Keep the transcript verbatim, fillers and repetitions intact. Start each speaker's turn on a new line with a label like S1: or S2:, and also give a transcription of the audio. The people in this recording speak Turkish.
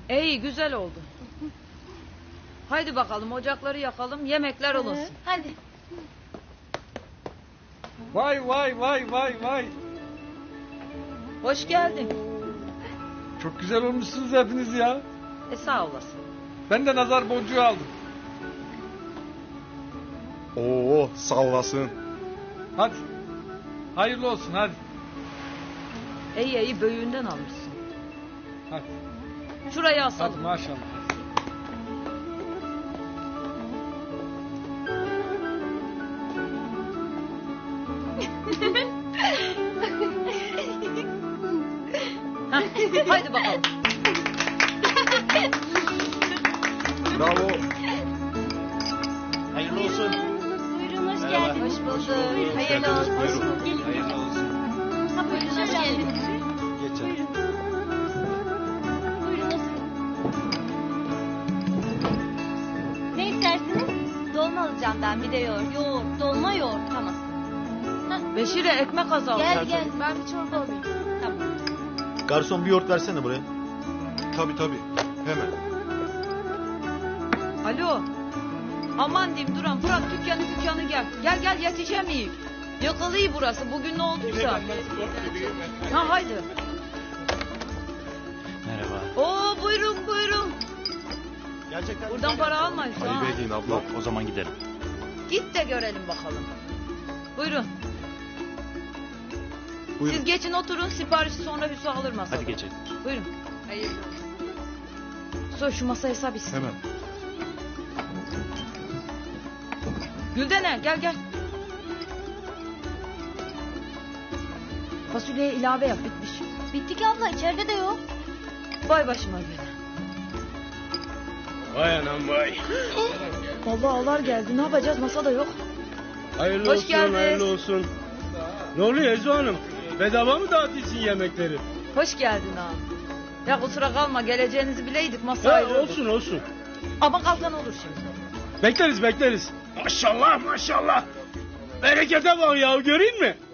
S1: İyi, güzel oldu. Haydi bakalım ocakları yakalım, yemekler olsun.
S2: Hadi.
S3: Vay vay vay vay vay.
S1: Hoş geldin.
S3: Çok güzel olmuşsunuz hepiniz ya.
S1: E sağ olasın.
S3: Ben de nazar boncuğu aldım.
S4: Oo, sağ olasın.
S3: Hadi. Hayırlı olsun hadi.
S1: İyi iyi böğüğünden almışsın.
S3: Hadi.
S1: Şurayı
S3: Hadi
S1: asalım.
S3: maşallah.
S1: Hah, haydi bakalım.
S4: Bravo.
S5: Hayırlı olsun.
S2: Buyurun hoş
S5: Merhaba.
S2: geldiniz.
S1: Hoş bulduk. Hayırlı
S4: geldiniz,
S1: olsun.
S4: buyurun.
S2: Gelin.
S5: Hayırlı olsun.
S2: Ha, buyurun hoş geldiniz.
S5: Geçen.
S2: Buyurun. Buyurun oturun. Ne istersiniz? Dolma alacağım ben bir de yoğurt. Yoğurt, dolma yoğurt. Tamam.
S1: Beşir'e ekmek azaldı.
S2: Gel gel ben bir çorba alayım. Tamam.
S5: Garson bir yoğurt versene buraya.
S4: Tabii tabii. Hemen.
S1: Alo. Aman diyeyim Duran, bırak dükkanı dükkanı gel. Gel gel yetişemeyik. Yakılıyı burası bugün ne olduysa. Ha haydi.
S5: Merhaba.
S1: Oo buyurun buyurun.
S5: Gerçekten
S1: Buradan para almayız ha.
S4: Ali Bey'in abla.
S5: Yok, o zaman gidelim.
S1: Git de görelim bakalım. Buyurun.
S4: Buyurun.
S1: Siz geçin oturun, siparişi sonra Hüsnü alır masada.
S5: Hadi geçelim.
S1: Buyurun. Hayırlı. Sor şu masaya hesap istedim.
S4: Hemen.
S1: Güldene gel gel. Fasulyeye ilave yap bitmiş.
S2: Bitti ki abla içeride de yok.
S1: Vay başıma gelen.
S6: Vay anam vay.
S1: Vallahi ağlar geldi, ne yapacağız, masada yok.
S6: Hayırlı
S1: Hoş
S6: olsun,
S1: geldiniz.
S6: hayırlı olsun. Ne oluyor Ezo Hanım? Bedava mı dağıtıyorsun yemekleri?
S1: Hoş geldin ha. Ya kusura kalma, geleceğinizi bileydik, masa
S6: Ha,
S1: ayrıldı.
S6: olsun olsun.
S1: Ama kalkan olur şimdi.
S6: Bekleriz bekleriz. Maşallah maşallah. Berekete bak ya, göreyim mi?